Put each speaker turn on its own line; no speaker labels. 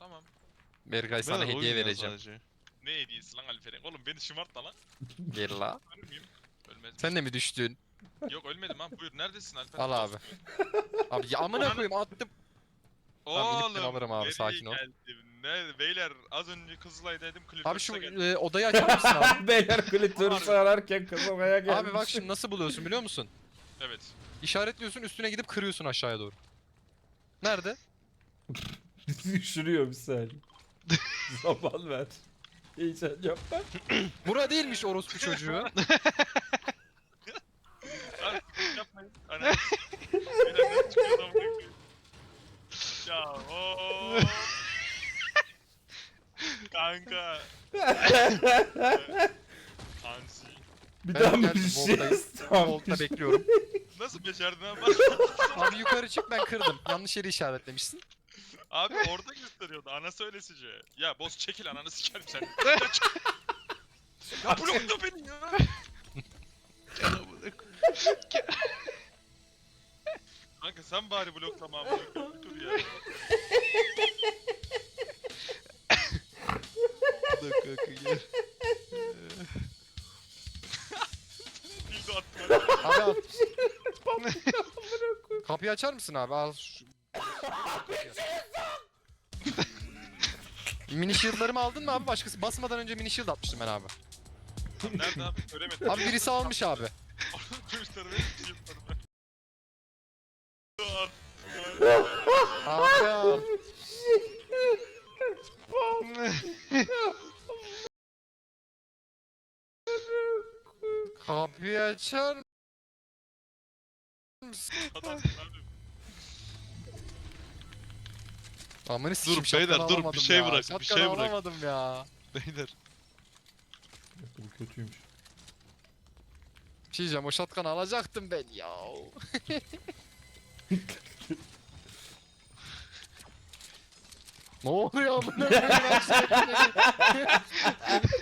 Tamam.
Berkay sana
Beyler,
hediye
oyun ya
vereceğim.
sadece.
Ne hediyesi lan Alperen? Oğlum beni şımartma lan.
Gel la.
Ölür müyüm? Ölmedim.
Sen de mi düştün?
Yok ölmedim ha. Buyur neredesin Alperen?
Al abi. Abi ya amına
Ananı-
koyayım attım. Tamam, inip ben
Oğlum
alırım abi,
nereye
sakin ol.
geldim? Ne beyler az önce Kızılay'daydım
Abi
Clippers'a
şu
geldim.
odayı açar mısın abi?
Beyler klitörüsü ararken kazanmaya gelmiş.
Abi bak şimdi nasıl buluyorsun biliyor musun?
Evet.
İşaretliyorsun, üstüne gidip kırıyorsun aşağıya doğru. Nerede?
Düşürüyor bir saniye. Zaman ver. Heyecan yapma.
Bura değilmiş orospu çocuğu.
Abi yapmayın. Ananı beyler ne çıkıyor lan bu? Ya ooo. Kanka. Ansi.
Bir
Ben
daha mı
geldim,
düşeceğiz?
Volt'tayım.
Tamam.
Volt'ta bekliyorum.
Nasıl becerdin abi?
Abi yukarı çık, ben kırdım. Yanlış yeri işaretlemişsin.
Abi orada gösteriyordu ana söylesici. Ya boss çekil ananı sikerim sen. Ya blokla beni ya. Kanka sen bari bloklama abi. Bir dur ya. Dildo attım.
Abi al. Kapıyı açar mısın abi? Al şu... Mini shield'larımı aldın mı abi? Başkası basmadan önce mini shield atmıştım ben abi.
Lan nerede abi? Göremedim.
Abi birisi almış abi.
Kılıçları ve yıllarımı.
Abi al. Kapıyı açar mısın?
Adamsın abi.
Amını sikeyim,
Dur beyler,
şapkanı
dur, bir
alamadım
şey
ya.
bırak, bir
Şapkanı
şey bırak.
alamadım ya.
Beyler.
Bu kötüymüş.
Bir şey diyeceğim, o şatkanı alacaktım ben ya. Ne oluyor amına koyayım, ben sürekli-